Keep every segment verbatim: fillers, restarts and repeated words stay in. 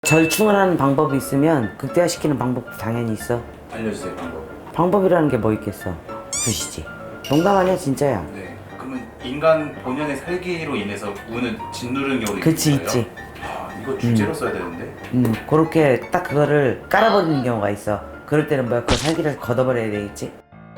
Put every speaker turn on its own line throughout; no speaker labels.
절충을 하는 방법이 있으면 극대화시키는 방법도 당연히 있어.
알려주세요, 방법.
방법이라는 게 뭐 있겠어? 두시지. 농담 아니야 진짜야.
네. 그러면 인간 본연의 살기로 인해서 운을 짓누르는 경우도
그치,
있는 거예요?
있지.
아, 이거 주제로 써야 되는데.
음 그렇게 딱 그거를 깔아버리는 경우가 있어. 그럴 때는 뭐야, 그 살기를 걷어버려야 되겠지.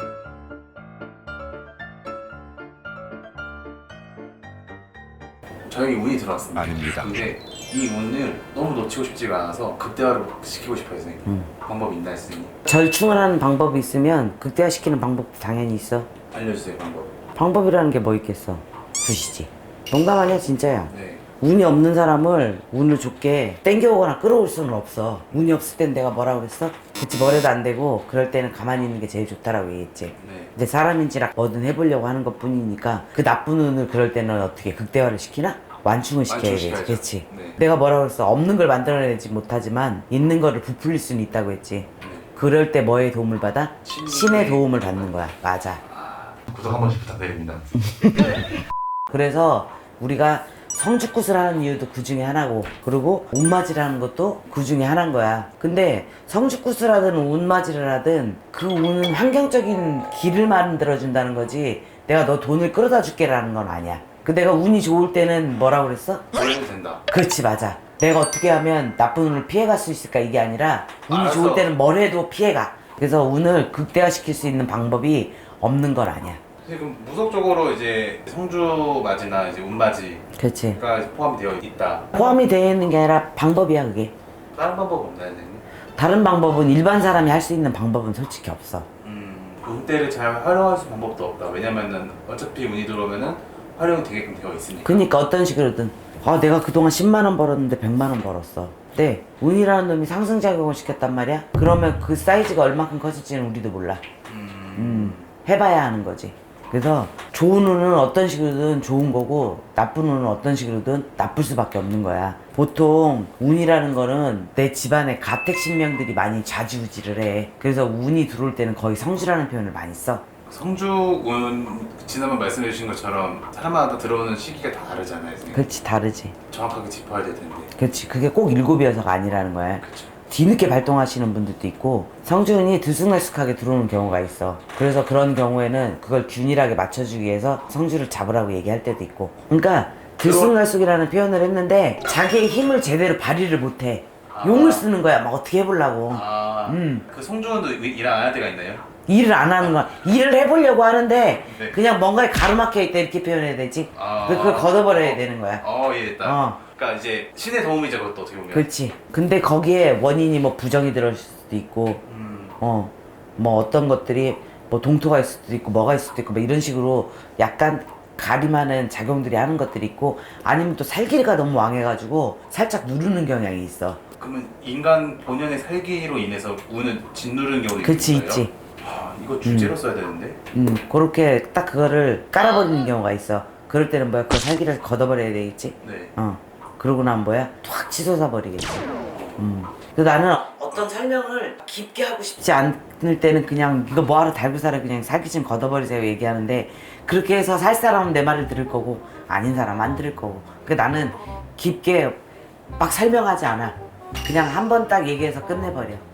저에게 운이 들어왔습니다.
아닙니다.
근데 이 운을 너무 놓치고 싶지가 않아서 극대화를 시키고 싶어요, 선생님.
음.
방법이 있나요, 선생님?
절충을 하는 방법이 있으면 극대화시키는 방법도 당연히 있어.
알려주세요, 방법.
방법이라는 게 뭐 있겠어? 두시지. 농담 아니야 진짜야.
네.
운이 없는 사람을 운을 좋게 땡겨오거나 끌어올 수는 없어. 운이 없을 땐 내가 뭐라고 그랬어? 그치, 뭐래도 안 되고 그럴 때는 가만히 있는 게 제일 좋다라고 얘기했지.
네.
근데 사람인지라 뭐든 해보려고 하는 것 뿐이니까 그 나쁜 운을 그럴 때는 어떻게 극대화를 시키나? 완충을 시켜야 되지.
완충시켜야죠.
그렇지.
네.
내가 뭐라고 그랬어? 없는 걸 만들어내지 못하지만 있는 거를 부풀릴 수는 있다고 했지.
네.
그럴 때 뭐의 도움을 받아?
신의
신의 도움을 받는 거야. 맞아.
구독 한 번씩 부탁드립니다.
그래서 우리가 성죽굿을 하는 이유도 그 중에 하나고, 그리고 운맞이를 하는 것도 그 중에 하나인 거야. 근데 성죽굿을 하든 운맞이를 하든 그 운은 환경적인 길을 만들어준다는 거지, 내가 너 돈을 끌어다 줄게라는 건 아니야. 그 내가 운이 좋을 때는 뭐라고 그랬어?
그래도 된다.
그렇지, 맞아. 내가 어떻게 하면 나쁜 운을 피해갈 수 있을까, 이게 아니라 운이
알았어.
좋을 때는 뭘 해도 피해가. 그래서 운을 극대화시킬 수 있는 방법이 없는 건 아니야.
지금 무속적으로 이제 성주 맞이나 이제 운 맞이가
그렇지.
포함이 되어 있다.
포함이 되어 있는 게 아니라 방법이야, 그게.
다른 방법 없나요, 선생님?
다른 방법은 일반 사람이 할 수 있는 방법은 솔직히 없어.
음, 운대를 잘 활용할 수 있는 방법도 없다. 왜냐면은 어차피 운이 들어오면은 활용이 되게끔 되어 있으니까.
그니까 어떤 식으로든, 아 내가 그동안 십만 원 벌었는데 백만 원 벌었어. 근데 운이라는 놈이 상승작용을 시켰단 말이야? 그러면 그 사이즈가 얼마큼 커질지는 우리도 몰라.
음,
음, 해봐야 하는 거지. 그래서 좋은 운은 어떤 식으로든 좋은 거고, 나쁜 운은 어떤 식으로든 나쁠 수밖에 없는 거야. 보통 운이라는 거는 내 집안에 가택신명들이 많이 좌지우지를 해. 그래서 운이 들어올 때는 거의 성주라는 표현을 많이 써.
성주운 지난번 말씀해 주신 것처럼 사람마다 들어오는 시기가 다 다르잖아요, 선생님.
그렇지, 다르지.
정확하게 짚어야 될 텐데.
그렇지, 그게 꼭 일곱이어서가 아니라는 거야.
그렇죠.
뒤늦게 발동하시는 분들도 있고, 성주운이 들쑥날쑥하게 들어오는 경우가 있어. 그래서 그런 경우에는 그걸 균일하게 맞춰주기 위해서 성주를 잡으라고 얘기할 때도 있고. 그러니까 들쑥날쑥이라는 표현을 했는데 자기의 힘을 제대로 발휘를 못해.
아.
용을 쓰는 거야. 막 어떻게 해보려고.
아,
음.
그 성주운도 일 안 할 때가 있나요?
일을 안 하는 거야. 일을 해보려고 하는데
네.
그냥 뭔가에 가로막혀 있다 이렇게 표현해야 되지.
아.
그걸 걷어버려야 되는 거야.
어, 예, 됐다.
어.
그러니까 이제 신의 도움이죠, 그것도 어떻게 보면.
그렇지. 근데 거기에 원인이 뭐 부정이 들어올 수도 있고,
음,
어, 뭐 어떤 것들이 뭐 동토가 있을 수도 있고 뭐가 있을 수도 있고 뭐 이런 식으로 약간 가림하는 작용들이 하는 것들이 있고, 아니면 또 살기가 너무 왕해가지고 살짝 누르는 경향이 있어.
그러면 인간 본연의 살기로 인해서 운을 짓누르는 경우도
그치,
있는 거예요?
있지.
아, 이거 주제로 써야 되는데.
음, 그렇게 딱 그거를 깔아버리는 경우가 있어. 그럴 때는 뭐야, 그 살기를 걷어버려야 되겠지.
네.
어, 그러고 나면 뭐야, 툭 치솟아 버리겠지. 음. 그래서 나는 어떤 설명을 깊게 하고 싶지 않을 때는 그냥 이거 뭐하러 달고 살아, 그냥 살기 좀 걷어버리세요 얘기하는데, 그렇게 해서 살 사람은 내 말을 들을 거고 아닌 사람 안 들을 거고. 그러니까 나는 깊게 막 설명하지 않아. 그냥 한 번 딱 얘기해서 끝내버려.